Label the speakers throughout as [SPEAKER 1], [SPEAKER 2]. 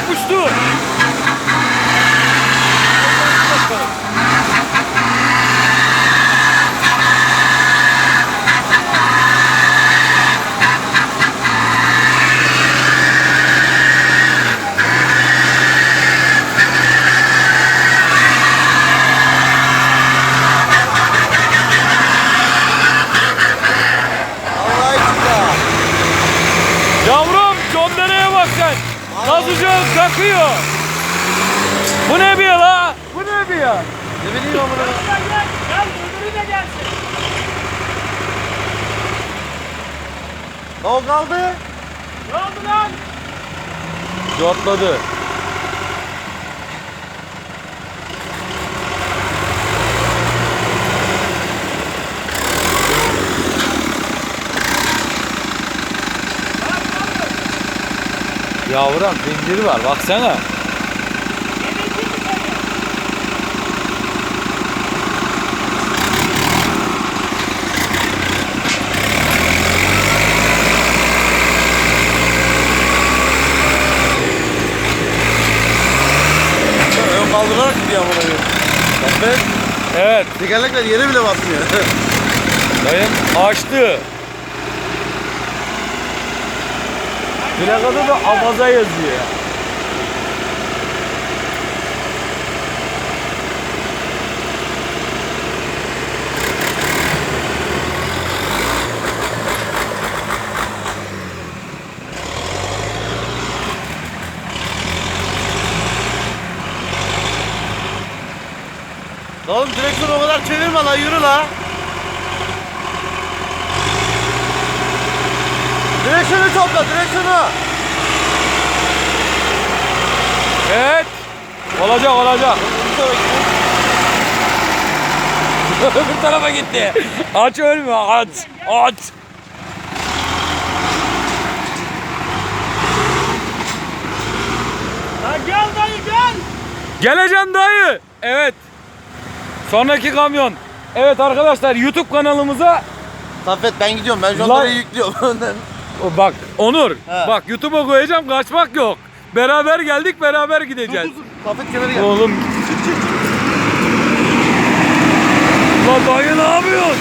[SPEAKER 1] yapıştı. Yavrum condereye bak sen. Nasılca kakıyor. Bu ne bir ya la? Bu ne bir ya?
[SPEAKER 2] Ne bileyim amına.
[SPEAKER 3] Gel öbürü de gelsin.
[SPEAKER 2] O kaldı.
[SPEAKER 3] Ne oldu lan?
[SPEAKER 1] Cortladı. Yavrum zinciri var baksana.
[SPEAKER 2] Ön kaldırarak gidiyor amına koyayım. Bak
[SPEAKER 1] Evet
[SPEAKER 2] tekerlekler yere bile basmıyor.
[SPEAKER 1] dayım açtı. Plakada da Amaza yazıyor ya.
[SPEAKER 2] Oğlum direksiyonu o kadar çevirme lan, yürü la. Direksiyonu topla, direksiyonu.
[SPEAKER 1] Evet. Olacak olacak. Öbür tarafa gitti. Aç ölme aç. Aç.
[SPEAKER 3] Lan gel dayı gel.
[SPEAKER 1] Geleceğim dayı. Evet. Sonraki kamyon. Evet arkadaşlar YouTube kanalımıza
[SPEAKER 2] Saffet ben gidiyorum, ben şu an
[SPEAKER 1] Lan-
[SPEAKER 2] oraya yüklüyorum.
[SPEAKER 1] bak Onur.
[SPEAKER 2] He.
[SPEAKER 1] Bak YouTube'a koyacağım kaçmak yok. Beraber geldik beraber gideceğiz.
[SPEAKER 2] Saffet kenara gel.
[SPEAKER 1] Oğlum. Lan dayı ne yapıyorsun?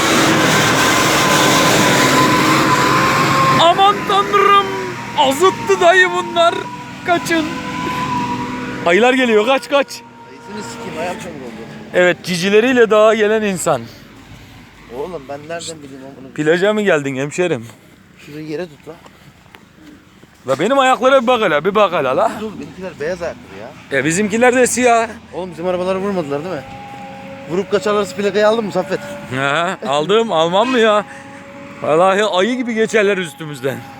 [SPEAKER 1] Aman tanrım. Azıttı dayı bunlar. Kaçın. Ayılar geliyor kaç kaç.
[SPEAKER 2] Dayısını sikeyim, ayağım çamur oldu.
[SPEAKER 1] Evet cicileriyle dağa gelen insan.
[SPEAKER 2] Oğlum ben nereden bileyim onu?
[SPEAKER 1] Plaja mı geldin hemşerim?
[SPEAKER 2] Şurayı yere tut la.
[SPEAKER 1] La benim ayaklara bir bak hele bir bak hele la.
[SPEAKER 2] Dur, benimkiler beyaz ayaklı ya.
[SPEAKER 1] Bizimkiler de siyah.
[SPEAKER 2] Oğlum bizim arabaları vurmadılar değil mi? Vurup kaçarlarsa plakayı aldın mı Saffet?
[SPEAKER 1] Aldım almam mı ya? Vallahi ayı gibi geçerler üstümüzden.